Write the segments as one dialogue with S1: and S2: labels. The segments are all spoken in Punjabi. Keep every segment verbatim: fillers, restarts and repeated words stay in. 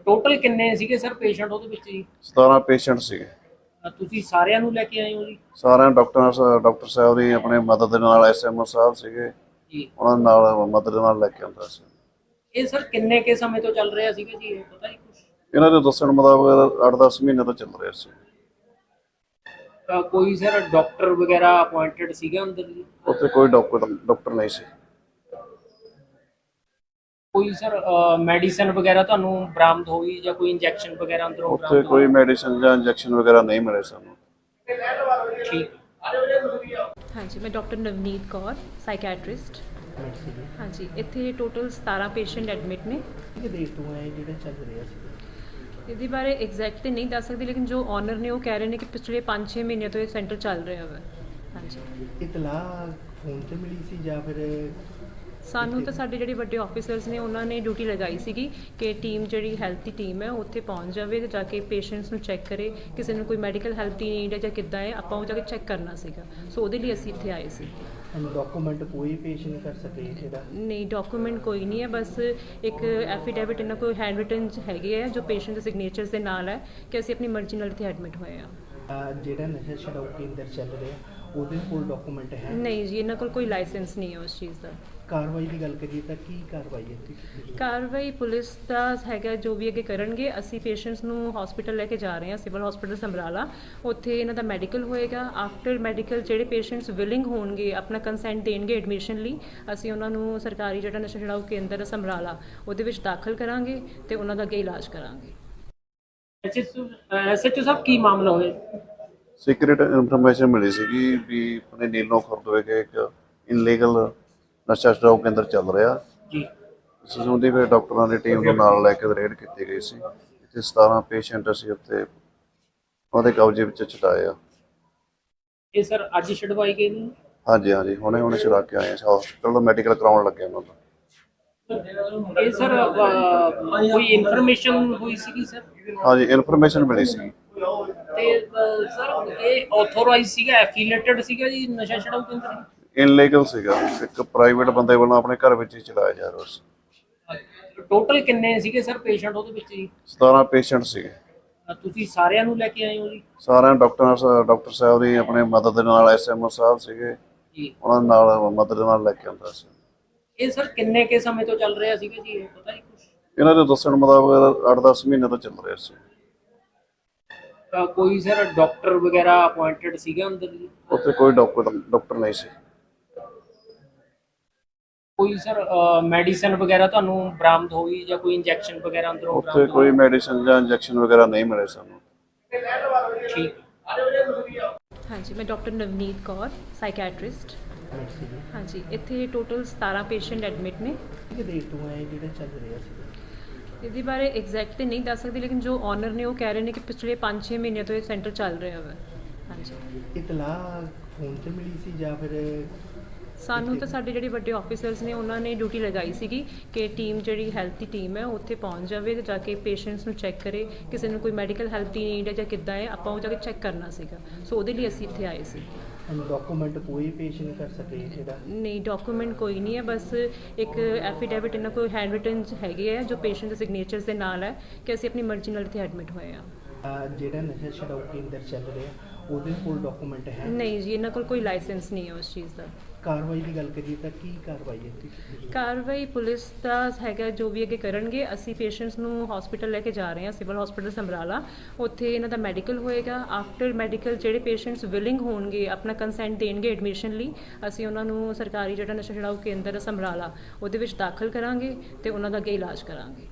S1: ਟੋਟਲ ਕਿੰਨੇ ਸੀਗੇ ਸਰ ਪੇਸ਼ੈਂਟ ਉਹਦੇ ਵਿੱਚ ਜੀ?
S2: ਸਤਾਰਾਂ ਪੇਸ਼ੈਂਟ ਸੀਗੇ।
S1: ਅ, ਤੁਸੀਂ ਸਾਰਿਆਂ ਨੂੰ ਲੈ ਕੇ ਆਏ ਹੋ ਜੀ?
S2: ਸਾਰਿਆਂ ਡਾਕਟਰ ਡਾਕਟਰ ਸਾਹਿਬ ਦੀ ਆਪਣੇ ਮਦਦ ਦੇ ਨਾਲ ਐਸਐਮਓ ਸਾਹਿਬ ਸੀਗੇ,
S1: ਜੀ।
S2: ਉਹਨਾਂ ਦੇ ਨਾਲ ਮਦਦ ਦੇ ਨਾਲ ਲੈ ਕੇ ਆਉਂਦਾ ਸੀ।
S1: ਇਹ ਸਰ ਕਿੰਨੇ ਕੇ ਸਮੇਂ ਤੋਂ ਚੱਲ ਰਿਹਾ ਸੀਗਾ ਜੀ, ਇਹ ਪਤਾ ਜੀ ਕੁਛ?
S2: ਇਹਨਾਂ ਦੇ ਦੱਸਣ ਮੁਤਾਬਕ ਅੱਠ ਦਸ ਮਹੀਨੇ ਤੋਂ ਚੱਲ ਰਿਹਾ ਸੀ।
S1: ਅ, ਕੋਈ ਸਰ ਡਾਕਟਰ ਵਗੈਰਾ ਅਪਾਇੰਟਡ ਸੀਗਾ ਅੰਦਰ ਜੀ?
S2: ਉੱਥੇ ਕੋਈ ਡਾਕਟਰ ਡਾਕਟਰ ਨਹੀਂ ਸੀ।
S1: ਕੋਈ ਸਰ ਮੈਡੀਸਨ ਵਗੈਰਾ ਤੁਹਾਨੂੰ ਬਰਾਮਦ ਹੋਈ ਜਾਂ ਕੋਈ ਇੰਜੈਕਸ਼ਨ ਵਗੈਰਾ ਅੰਦਰੋਂ
S2: ਉੱਥੇ
S1: ਬਰਾਮਦ
S2: ਕੋਈ ਮੈਡੀਸਨ ਜਾਂ ਇੰਜੈਕਸ਼ਨ ਵਗੈਰਾ ਨਹੀਂ ਮਿਲੇ ਸਾਨੂੰ।
S1: ਹੋਈ? ਠੀਕ।
S3: ਹਾਂਜੀ, ਮੈਂ ਡਾਕਟਰ ਨਵਨੀਤ ਕੌਰ, ਸਾਈਕੈਟ੍ਰਿਸਟ। ਹਾਂਜੀ, ਇੱਥੇ ਟੋਟਲ ਸਤਾਰਾਂ ਪੇਸ਼ੈਂਟ ਐਡਮਿਟ ਨੇ।
S4: ਕਿ ਦੇਰ ਤੋਂ ਹੈ ਜਿਹੜਾ ਚੱਲ ਰਿਹਾ ਸੀ?
S3: ਇਹਦੇ ਬਾਰੇ ਐਗਜ਼ੈਕਟ ਤੇ ਨਹੀਂ ਦੱਸ ਸਕਦੀ, ਲੇਕਿਨ ਜੋ ਓਨਰ ਨੇ ਉਹ ਕਹਿ ਰਹੇ ਨੇ ਕਿ ਪਿਛਲੇ ਪੰਜ ਛੇ ਮਹੀਨੇ ਤੋਂ ਇਹ ਸੈਂਟਰ ਚੱਲ ਰਿਹਾ ਵਾ। ਹਾਂਜੀ,
S4: ਇਤਲਾਹ ਫੋਨ ਤੇ ਮਿਲੀ ਸੀ ਜਾਂ ਫਿਰ
S3: ਸਾਨੂੰ ਤਾਂ ਸਾਡੇ ਜਿਹੜੇ ਵੱਡੇ ਆਫੀਸਰਸ ਨੇ ਉਹਨਾਂ ਨੇ ਡਿਊਟੀ ਲਗਾਈ ਸੀਗੀ ਕਿ ਟੀਮ ਜਿਹੜੀ ਹੈਲਥ ਦੀ ਟੀਮ ਹੈ ਉੱਥੇ ਪਹੁੰਚ ਜਾਵੇ ਤੇ ਜਾ ਕੇ ਪੇਸ਼ੈਂਟਸ ਨੂੰ ਚੈੱਕ ਕਰੇ, ਕਿਸੇ ਨੂੰ ਕੋਈ ਮੈਡੀਕਲ ਹੈਲਪ ਦੀ ਨੀਡ ਹੈ ਜਾਂ ਕਿੱਦਾਂ ਹੈ, ਆਪਾਂ ਉਹ ਜਾ ਕੇ ਚੈੱਕ ਕਰਨਾ ਸੀਗਾ। ਸੋ ਉਹਦੇ ਲਈ ਅਸੀਂ ਇੱਥੇ ਆਏ ਸੀ।
S4: ਡਾਕੂਮੈਂਟ ਕੋਈ ਪੇਸ਼ ਨਹੀਂ ਕਰ ਸਕੇ ਜਿਹੜਾ?
S3: ਨਹੀਂ, ਡਾਕੂਮੈਂਟ ਕੋਈ ਨਹੀਂ ਹੈ, ਬਸ ਇੱਕ ਐਫੀਡੇਵਿਟ ਇਹਨਾਂ ਕੋਲ ਹੈਂਡ ਰਿਟਨ ਹੈਗੇ ਹੈ ਜੋ ਪੇਸ਼ੈਂਟ ਦੇ ਸਿਗਨੇਚਰਸ ਦੇ ਨਾਲ ਹੈ ਕਿ ਅਸੀਂ ਆਪਣੀ ਮਰਜ਼ੀ ਨਾਲ ਇੱਥੇ ਐਡਮਿਟ ਹੋਏ ਹਾਂ।
S4: ਅਹ ਜਿਹੜਾ ਨਸ਼ਾ ਛਡਾਊ ਕੇਂਦਰ ਚੱਲ ਰਿਹਾ ਉਹਦੇ ਕੋਲ ਡਾਕੂਮੈਂਟ ਹੈ?
S3: ਨਹੀਂ ਜੀ, ਇਹਨਾਂ ਕੋਲ ਕੋਈ ਲਾਇਸੈਂਸ ਨਹੀਂ ਹੈ ਉਸ ਚੀਜ਼ ਦਾ।
S4: ਕਾਰਵਾਈ ਦੀ ਗੱਲ ਕਰੀਏ ਤਾਂ ਕੀ ਕਾਰਵਾਈ ਹੈ ਇੱਥੇ ਕੀਤੀ ਗਈ?
S3: ਕਾਰਵਾਈ ਪੁਲਿਸ ਦਾ ਹੈਗਾ, ਜੋ ਵੀ ਅੱਗੇ ਕਰਨਗੇ। ਅਸੀਂ ਪੇਸ਼ੈਂਟਸ ਨੂੰ ਹਸਪੀਟਲ ਲੈ ਕੇ ਜਾ ਰਹੇ ਹਾਂ, ਸਿਵਲ ਹਸਪੀਟਲ ਸਮਰਾਲਾ। ਉੱਥੇ ਇਹਨਾਂ ਦਾ ਮੈਡੀਕਲ ਹੋਏਗਾ। ਆਫਟਰ ਮੈਡੀਕਲ ਜਿਹੜੇ ਪੇਸ਼ੈਂਟਸ ਵਿਲਿੰਗ ਹੋਣਗੇ, ਆਪਣਾ ਕੰਸੈਂਟ ਦੇਣਗੇ ਐਡਮਿਸ਼ਨ ਲਈ, ਅਸੀਂ ਉਹਨਾਂ ਨੂੰ ਸਰਕਾਰੀ ਜਿਹੜਾ ਨਸ਼ਾ ਛੁਡਾਊ ਕੇਂਦਰ ਸਮਰਾਲਾ ਉਹਦੇ ਵਿੱਚ ਦਾਖਲ ਕਰਾਂਗੇ ਤੇ ਉਹਨਾਂ ਦਾ ਅੱਗੇ ਇਲਾਜ ਕਰਾਂਗੇ।
S1: ਐਸਐਚਓ ਸਾਹਿਬ, ਕੀ ਮਾਮਲਾ ਹੋਇਆ?
S2: ਸੀਕ੍ਰੀਟ ਇਨਫੋਰਮੇਸ਼ਨ ਮਿਲੀ ਸੀਗੀ ਵੀ ਆਪਣੇ ਨੀਲੋਂ ਖੁਰਦ ਵਿਖੇ ਇੱਕ ਇਨਲੀਗਲ ਨਸ਼ਾ ਛਡਾਊ ਕੇਂਦਰ ਚੱਲ ਰਿਹਾ
S1: ਜੀ।
S2: ਇਸ ਸੰਬੰਧੀ ਫਿਰ ਡਾਕਟਰਾਂ ਦੀ ਟੀਮ ਨੂੰ ਨਾਲ ਲੈ ਕੇ ਰੇਡ ਕੀਤੀ ਗਈ ਸੀ। ਇੱਥੇ ਸਤਾਰਾਂ ਪੇਸ਼ੈਂਟ ਅਸੀਂ ਉੱਥੇ ਉਹਦੇ ਕਬਜ਼ੇ ਵਿੱਚ ਛੁਡਾਏ ਆ।
S1: ਇਹ ਸਰ ਅੱਜ ਛਡਵਾਈ ਗਏ ਨੇ?
S2: ਹਾਂਜੀ ਹਾਂਜੀ, ਹੁਣੇ ਹੁਣੇ ਛੁਡਾ ਕੇ ਆਏ ਆ। ਹਸਪੀਟਲ ਤੋਂ ਮੈਡੀਕਲ ਕਰਾਉਣ ਲੱਗੇ ਉਹਨਾਂ ਦਾ।
S1: ਇਹ ਸਰ ਕੋਈ ਇਨਫੋਰਮੇਸ਼ਨ ਹੋਈ ਸੀਗੀ ਸਰ?
S2: ਹਾਂਜੀ, ਇਨਫੋਰਮੇਸ਼ਨ ਮਿਲੀ ਸੀ।
S1: ਤੇ ਅ, ਸਰ ਇਹ ਆਥੋਰਾਈਜ਼ ਸੀਗਾ, ਐਫੀਲੀਏਟਡ ਸੀਗਾ ਜੀ ਨਸ਼ਾ ਛਡਾਊ ਕੇਂਦਰ?
S2: ਇਨਲੀਗਲ ਸੀਗਾ, ਇੱਕ ਪ੍ਰਾਈਵੇਟ ਬੰਦੇ ਵੱਲੋਂ ਆਪਣੇ ਘਰ ਵਿੱਚ ਹੀ ਚਲਾਇਆ ਜਾ ਰਿਹਾ ਸੀ।
S1: ਟੋਟਲ ਕਿੰਨੇ ਸੀਗੇ ਸਰ ਪੇਸ਼ੈਂਟ ਉਹਦੇ ਵਿੱਚ ਜੀ?
S2: ਸਤਾਰਾਂ ਪੇਸ਼ੈਂਟ ਸੀਗੇ।
S1: ਅ, ਤੁਸੀਂ ਸਾਰਿਆਂ ਨੂੰ ਲੈ ਕੇ ਆਏ ਹੋ ਜੀ?
S2: ਸਾਰਿਆਂ ਡਾਕਟਰ ਡਾਕਟਰ ਸਾਹਿਬ ਦੀ ਆਪਣੇ ਮਦਦ ਦੇ ਨਾਲ ਐਸਐਮਓ ਸਾਹਿਬ ਸੀਗੇ,
S1: ਜੀ।
S2: ਉਹਨਾਂ ਦੇ ਨਾਲ ਮਦਦ ਦੇ ਨਾਲ ਲੈ ਕੇ ਆਉਂਦਾ ਸੀ।
S1: ਇਹ ਸਰ ਕਿੰਨੇ ਕੇ ਸਮੇਂ ਤੋਂ ਚੱਲ ਰਿਹਾ ਸੀਗਾ ਜੀ, ਇਹ ਪਤਾ ਜੀ ਕੁਛ?
S2: ਇਹਨਾਂ ਦੇ ਦੱਸਣ ਮੁਤਾਬਕ ਅੱਠ ਦਸ ਮਹੀਨੇ ਤੋਂ ਚੱਲ ਰਿਹਾ ਸੀ।
S1: ਅ, ਕੋਈ ਸਰ ਡਾਕਟਰ ਵਗੈਰਾ ਅਪਾਇੰਟਡ ਸੀਗਾ ਅੰਦਰ ਜੀ?
S2: ਉੱਥੇ ਕੋਈ ਡਾਕਟਰ ਡਾਕਟਰ ਨਹੀਂ ਸੀ।
S1: ਕੋਈ ਸਰ ਮੈਡੀਸਨ ਵਗੈਰਾ ਤੁਹਾਨੂੰ ਬਰਾਮਦ ਹੋਈ ਜਾਂ ਕੋਈ ਇੰਜੈਕਸ਼ਨ ਵਗੈਰਾ ਅੰਦਰੋਂ
S2: ਉੱਥੇ
S1: ਬਰਾਮਦ
S2: ਕੋਈ ਮੈਡੀਸਨ ਜਾਂ ਇੰਜੈਕਸ਼ਨ ਵਗੈਰਾ ਨਹੀਂ ਮਿਲੇ ਸਾਨੂੰ।
S1: ਹੋਈ? ਠੀਕ।
S3: ਹਾਂਜੀ, ਮੈਂ ਡਾਕਟਰ ਨਵਨੀਤ ਕੌਰ, ਸਾਈਕੈਟ੍ਰਿਸਟ। ਹਾਂਜੀ, ਇੱਥੇ ਟੋਟਲ ਸਤਾਰਾਂ ਪੇਸ਼ੈਂਟ ਐਡਮਿਟ ਨੇ।
S4: ਕਿ ਦੇਰ ਤੋਂ ਹੈ ਜਿਹੜਾ ਚੱਲ ਰਿਹਾ ਸੀ?
S3: ਇਹਦੇ ਬਾਰੇ ਐਗਜ਼ੈਕਟ ਤੇ ਨਹੀਂ ਦੱਸ ਸਕਦੀ, ਲੇਕਿਨ ਜੋ ਓਨਰ ਨੇ ਉਹ ਕਹਿ ਰਹੇ ਨੇ ਕਿ ਪਿਛਲੇ ਪੰਜ ਛੇ ਮਹੀਨੇ ਤੋਂ ਇਹ ਸੈਂਟਰ ਚੱਲ ਰਿਹਾ ਵਾ। ਹਾਂਜੀ,
S4: ਇਤਲਾਹ ਫੋਨ ਤੇ ਮਿਲੀ ਸੀ ਜਾਂ ਫਿਰ
S3: ਸਾਨੂੰ ਤਾਂ ਸਾਡੇ ਜਿਹੜੇ ਵੱਡੇ ਆਫੀਸਰਸ ਨੇ ਉਹਨਾਂ ਨੇ ਡਿਊਟੀ ਲਗਾਈ ਸੀਗੀ ਕਿ ਟੀਮ ਜਿਹੜੀ ਹੈਲਥ ਦੀ ਟੀਮ ਹੈ ਉੱਥੇ ਪਹੁੰਚ ਜਾਵੇ ਤੇ ਜਾ ਕੇ ਪੇਸ਼ੈਂਟਸ ਨੂੰ ਚੈੱਕ ਕਰੇ, ਕਿਸੇ ਨੂੰ ਕੋਈ ਮੈਡੀਕਲ ਹੈਲਪ ਦੀ ਨੀਡ ਹੈ ਜਾਂ ਕਿੱਦਾਂ ਹੈ, ਆਪਾਂ ਉਹ ਜਾ ਕੇ ਚੈੱਕ ਕਰਨਾ ਸੀਗਾ। ਸੋ ਉਹਦੇ ਲਈ ਅਸੀਂ ਇੱਥੇ ਆਏ ਸੀ।
S4: ਡਾਕੂਮੈਂਟ ਕੋਈ ਪੇਸ਼ ਨਹੀਂ ਕਰ ਸਕੇ ਜਿਹੜਾ?
S3: ਨਹੀਂ, ਡਾਕੂਮੈਂਟ ਕੋਈ ਨਹੀਂ ਹੈ, ਬਸ ਇੱਕ ਐਫੀਡੇਵਿਟ ਇਹਨਾਂ ਕੋਲ ਹੈਂਡ ਰਿਟਨ ਹੈਗੇ ਹੈ ਜੋ ਪੇਸ਼ੈਂਟ ਦੇ ਸਿਗਨੇਚਰਸ ਦੇ ਨਾਲ ਹੈ ਕਿ ਅਸੀਂ ਆਪਣੀ ਮਰਜ਼ੀ ਨਾਲ ਇੱਥੇ ਐਡਮਿਟ ਹੋਏ ਹਾਂ।
S4: ਅਹ ਜਿਹੜਾ ਨਸ਼ਾ ਛਡਾਊ ਕੇਂਦਰ ਚੱਲ ਰਿਹਾ ਉਹਦੇ ਕੋਲ ਡਾਕੂਮੈਂਟ ਹੈ?
S3: ਨਹੀਂ ਜੀ, ਇਹਨਾਂ ਕੋਲ ਕੋਈ ਲਾਇਸੈਂਸ ਨਹੀਂ ਹੈ ਉਸ ਚੀਜ਼ ਦਾ।
S4: ਕਾਰਵਾਈ ਦੀ ਗੱਲ ਕਰੀਏ ਤਾਂ ਕੀ ਕਾਰਵਾਈ ਹੈ ਇੱਥੇ ਕੀਤੀ ਗਈ?
S3: ਕਾਰਵਾਈ ਪੁਲਿਸ ਦਾ ਹੈਗਾ, ਜੋ ਵੀ ਅੱਗੇ ਕਰਨਗੇ। ਅਸੀਂ ਪੇਸ਼ੈਂਟਸ ਨੂੰ ਹਸਪੀਟਲ ਲੈ ਕੇ ਜਾ ਰਹੇ ਹਾਂ, ਸਿਵਲ ਹਸਪੀਟਲ ਸਮਰਾਲਾ। ਉੱਥੇ ਇਹਨਾਂ ਦਾ ਮੈਡੀਕਲ ਹੋਏਗਾ। ਆਫਟਰ ਮੈਡੀਕਲ ਜਿਹੜੇ ਪੇਸ਼ੈਂਟਸ ਵਿਲਿੰਗ ਹੋਣਗੇ, ਆਪਣਾ ਕੰਸੈਂਟ ਦੇਣਗੇ ਐਡਮਿਸ਼ਨ ਲਈ, ਅਸੀਂ ਉਹਨਾਂ ਨੂੰ ਸਰਕਾਰੀ ਜਿਹੜਾ ਨਸ਼ਾ ਛੁਡਾਊ ਕੇਂਦਰ ਸਮਰਾਲਾ ਉਹਦੇ ਵਿੱਚ ਦਾਖਲ ਕਰਾਂਗੇ ਤੇ ਉਹਨਾਂ ਦਾ ਅੱਗੇ ਇਲਾਜ ਕਰਾਂਗੇ।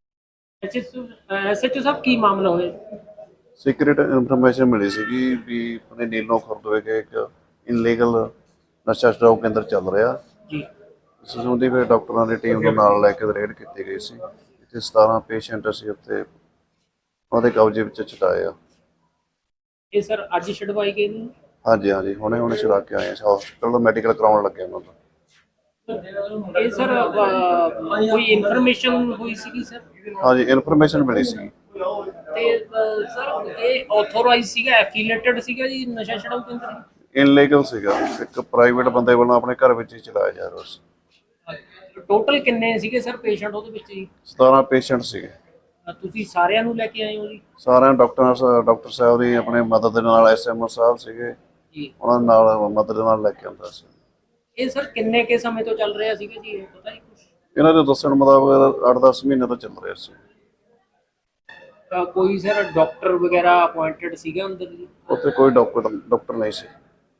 S1: ਐਸਐਚਓ ਸਾਹਿਬ, ਕੀ ਮਾਮਲਾ ਹੋਇਆ?
S2: ਸੀਕ੍ਰੀਟ ਇਨਫੋਰਮੇਸ਼ਨ ਮਿਲੀ ਸੀਗੀ ਵੀ ਆਪਣੇ ਨੀਲੋਂ ਖੁਰਦ ਵਿਖੇ ਇੱਕ ਇਨਲੀਗਲ ਨਸ਼ਾ ਛਡਾਊ ਕੇਂਦਰ ਚੱਲ ਰਿਹਾ
S1: ਜੀ।
S2: ਇਸ ਸੰਬੰਧੀ ਫਿਰ ਡਾਕਟਰਾਂ ਦੀ ਟੀਮ ਨੂੰ ਨਾਲ ਲੈ ਕੇ ਰੇਡ ਕੀਤੀ ਗਈ ਸੀ। ਇੱਥੇ ਸਤਾਰਾਂ ਪੇਸ਼ੈਂਟ ਅਸੀਂ ਉੱਥੇ ਉਹਦੇ ਕਬਜ਼ੇ ਵਿੱਚ ਛੁਡਾਏ ਆ।
S1: ਇਹ ਸਰ ਅੱਜ ਛਡਵਾਈ ਗਏ ਨੇ?
S2: ਹਾਂਜੀ ਹਾਂਜੀ, ਹੁਣੇ ਹੁਣੇ ਛੁਡਾ ਕੇ ਆਏ ਆ। ਹਸਪੀਟਲ ਤੋਂ ਮੈਡੀਕਲ ਕਰਾਉਣ ਲੱਗੇ ਉਹਨਾਂ ਦਾ।
S1: ਇਹ ਸਰ ਕੋਈ ਇਨਫੋਰਮੇਸ਼ਨ ਹੋਈ ਸੀਗੀ ਸਰ?
S2: ਹਾਂਜੀ, ਇਨਫੋਰਮੇਸ਼ਨ ਮਿਲੀ ਸੀ।
S1: ਤੇ ਅ, ਸਰ ਇਹ ਆਥੋਰਾਈਜ਼ ਸੀਗਾ, ਐਫੀਲੀਏਟਡ ਸੀਗਾ ਜੀ ਨਸ਼ਾ ਛਡਾਊ ਕੇਂਦਰ?
S2: ਇਨਲੀਗਲ ਸੀਗਾ, ਇੱਕ ਪ੍ਰਾਈਵੇਟ ਬੰਦੇ ਵੱਲੋਂ ਆਪਣੇ ਘਰ ਵਿੱਚ ਹੀ ਚਲਾਇਆ ਜਾ ਰਿਹਾ ਸੀ।
S1: ਟੋਟਲ ਕਿੰਨੇ ਸੀਗੇ ਸਰ ਪੇਸ਼ੈਂਟ ਉਹਦੇ ਵਿੱਚ ਜੀ?
S2: ਸਤਾਰਾਂ ਪੇਸ਼ੈਂਟ ਸੀਗੇ।
S1: ਅ, ਤੁਸੀਂ ਸਾਰਿਆਂ ਨੂੰ ਲੈ ਕੇ ਆਏ ਹੋ ਜੀ?
S2: ਸਾਰਿਆਂ ਡਾਕਟਰ ਡਾਕਟਰ ਸਾਹਿਬ ਦੀ ਆਪਣੇ ਮਦਦ ਦੇ ਨਾਲ, ਐਸਐਮਓ ਸਾਹਿਬ ਸੀਗੇ,
S1: ਜੀ
S2: ਉਹਨਾਂ ਦੇ ਨਾਲ ਮਦਦ ਦੇ ਨਾਲ ਲੈ ਕੇ ਆਉਂਦਾ ਸੀ।
S1: ਇਹ ਸਰ ਕਿੰਨੇ ਕੇ ਸਮੇਂ ਤੋਂ ਚੱਲ ਰਿਹਾ ਸੀਗਾ ਜੀ, ਇਹ ਪਤਾ ਜੀ ਕੁਛ?
S2: ਇਹਨਾਂ ਦੇ ਦੱਸਣ ਮੁਤਾਬਕ ਅੱਠ ਦਸ ਮਹੀਨੇ ਤੋਂ ਚੱਲ ਰਿਹਾ ਸੀ।
S1: ਅ, ਕੋਈ ਸਰ ਡਾਕਟਰ ਵਗੈਰਾ ਅਪਾਇੰਟਡ ਸੀਗਾ ਅੰਦਰ ਜੀ?
S2: ਉੱਥੇ ਕੋਈ ਡਾਕਟਰ ਡਾਕਟਰ ਨਹੀਂ ਸੀ।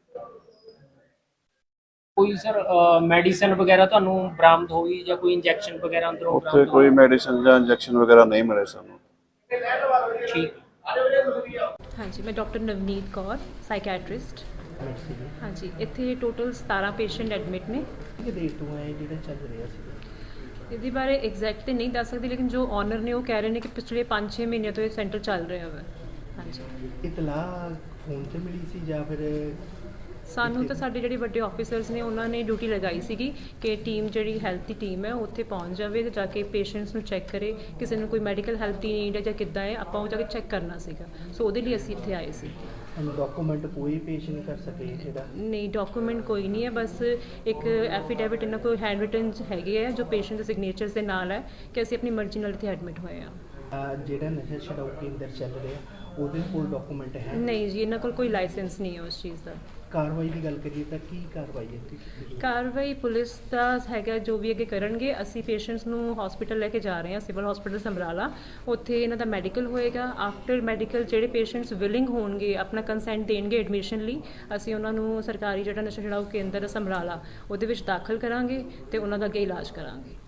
S1: ਕੋਈ ਸਰ ਮੈਡੀਸਨ ਵਗੈਰਾ ਤੁਹਾਨੂੰ ਬਰਾਮਦ ਹੋਈ ਜਾਂ ਕੋਈ ਇੰਜੈਕਸ਼ਨ ਵਗੈਰਾ ਅੰਦਰੋਂ
S2: ਉੱਥੇ
S1: ਬਰਾਮਦ
S2: ਕੋਈ ਮੈਡੀਸਿਨ ਜਾਂ ਇੰਜੈਕਸ਼ਨ ਵਗੈਰਾ ਨਹੀਂ ਮਿਲੇ ਸਾਨੂੰ।
S1: ਹੋਈ? ਠੀਕ।
S3: ਹਾਂਜੀ, ਮੈਂ doctor Navneet Kaur, psychiatrist.
S4: Medicine
S3: ਹਾਂਜੀ, ਇੱਥੇ ਟੋਟਲ ਸਤਾਰਾਂ ਪੇਸ਼ੈਂਟ ਐਡਮਿਟ ਨੇ।
S4: ਕਿ ਦੇਰ ਤੋਂ ਹੈ ਜਿਹੜਾ ਚੱਲ ਰਿਹਾ ਸੀ?
S3: ਇਹਦੇ ਬਾਰੇ ਐਗਜ਼ੈਕਟ ਤੇ ਨਹੀਂ ਦੱਸ ਸਕਦੀ, ਲੇਕਿਨ ਜੋ ਓਨਰ ਨੇ ਉਹ ਕਹਿ ਰਹੇ ਨੇ ਕਿ ਪਿਛਲੇ ਪੰਜ ਛੇ ਮਹੀਨਿਆਂ ਤੋਂ ਇਹ ਸੈਂਟਰ ਚੱਲ ਰਿਹਾ ਵਾ। ਹਾਂਜੀ,
S4: ਇਤਲਾਹ ਫੋਨ ਤੇ ਮਿਲੀ ਸੀ ਜਾਂ ਫਿਰ
S3: ਸਾਨੂੰ ਤਾਂ ਸਾਡੇ ਜਿਹੜੇ ਵੱਡੇ ਆਫੀਸਰਸ ਨੇ ਉਹਨਾਂ ਨੇ ਡਿਊਟੀ ਲਗਾਈ ਸੀਗੀ ਕਿ ਟੀਮ ਜਿਹੜੀ ਹੈਲਥ ਦੀ ਟੀਮ ਹੈ ਉੱਥੇ ਪਹੁੰਚ ਜਾਵੇ ਤੇ ਜਾ ਕੇ ਪੇਸ਼ੈਂਟਸ ਨੂੰ ਚੈੱਕ ਕਰੇ, ਕਿਸੇ ਨੂੰ ਕੋਈ ਮੈਡੀਕਲ ਹੈਲਥ ਦੀ ਨੀਡ ਹੈ ਜਾਂ ਕਿੱਦਾਂ ਹੈ, ਆਪਾਂ ਉਹ ਜਾ ਕੇ ਚੈੱਕ ਕਰਨਾ ਸੀਗਾ। ਸੋ ਉਹਦੇ ਲਈ ਅਸੀਂ ਇੱਥੇ ਆਏ ਸੀ।
S4: ਡਾਕੂਮੈਂਟ ਕੋਈ ਪੇਸ਼ ਨਹੀਂ ਕਰ ਸਕੇ ਜਿਹੜਾ?
S3: ਨਹੀਂ, ਡਾਕੂਮੈਂਟ ਕੋਈ ਨਹੀਂ ਹੈ, ਬਸ ਇੱਕ ਐਫੀਡੇਵਿਟ ਇਹਨਾਂ ਕੋਲ ਹੈਂਡ ਰਿਟਨ ਹੈਗੇ ਹੈ ਜੋ ਪੇਸ਼ੈਂਟ ਦੇ ਸਿਗਨੇਚਰਸ ਦੇ ਨਾਲ ਹੈ ਕਿ ਅਸੀਂ ਆਪਣੀ ਮਰਜ਼ੀ ਨਾਲ ਇੱਥੇ ਐਡਮਿਟ ਹੋਏ ਹਾਂ।
S4: ਅਹ ਜਿਹੜਾ ਨਸ਼ਾ ਛਡਾਊ ਕੇਂਦਰ ਚੱਲ ਰਿਹਾ ਉਹਦੇ ਕੋਲ ਡਾਕੂਮੈਂਟ ਹੈ?
S3: ਨਹੀਂ ਜੀ, ਇਹਨਾਂ ਕੋਲ ਕੋਈ ਲਾਇਸੈਂਸ ਨਹੀਂ ਹੈ ਉਸ ਚੀਜ਼ ਦਾ।
S4: ਕਾਰਵਾਈ ਦੀ ਗੱਲ ਕਰੀਏ ਤਾਂ ਕੀ ਕਾਰਵਾਈ ਹੈ?
S3: ਕਾਰਵਾਈ ਪੁਲਿਸ ਦਾ ਹੈਗਾ, ਜੋ ਵੀ ਅੱਗੇ ਕਰਨਗੇ। ਅਸੀਂ ਪੇਸ਼ੈਂਟਸ ਨੂੰ ਹਸਪੀਟਲ ਲੈ ਕੇ ਜਾ ਰਹੇ ਹਾਂ, ਸਿਵਲ ਹਸਪੀਟਲ ਸਮਰਾਲਾ। ਉੱਥੇ ਇਹਨਾਂ ਦਾ ਮੈਡੀਕਲ ਹੋਏਗਾ। ਆਫਟਰ ਮੈਡੀਕਲ ਜਿਹੜੇ ਪੇਸ਼ੈਂਟਸ ਵਿਲਿੰਗ ਹੋਣਗੇ, ਆਪਣਾ ਕੰਸੈਂਟ ਦੇਣਗੇ ਐਡਮਿਸ਼ਨ ਲਈ, ਅਸੀਂ ਉਹਨਾਂ ਨੂੰ ਸਰਕਾਰੀ ਜਿਹੜਾ ਨਸ਼ਾ ਛੁਡਾਊ ਕੇਂਦਰ ਸਮਰਾਲਾ ਉਹਦੇ ਵਿੱਚ ਦਾਖਲ ਕਰਾਂਗੇ ਤੇ ਉਹਨਾਂ ਦਾ ਅੱਗੇ ਇਲਾਜ ਕਰਾਂਗੇ।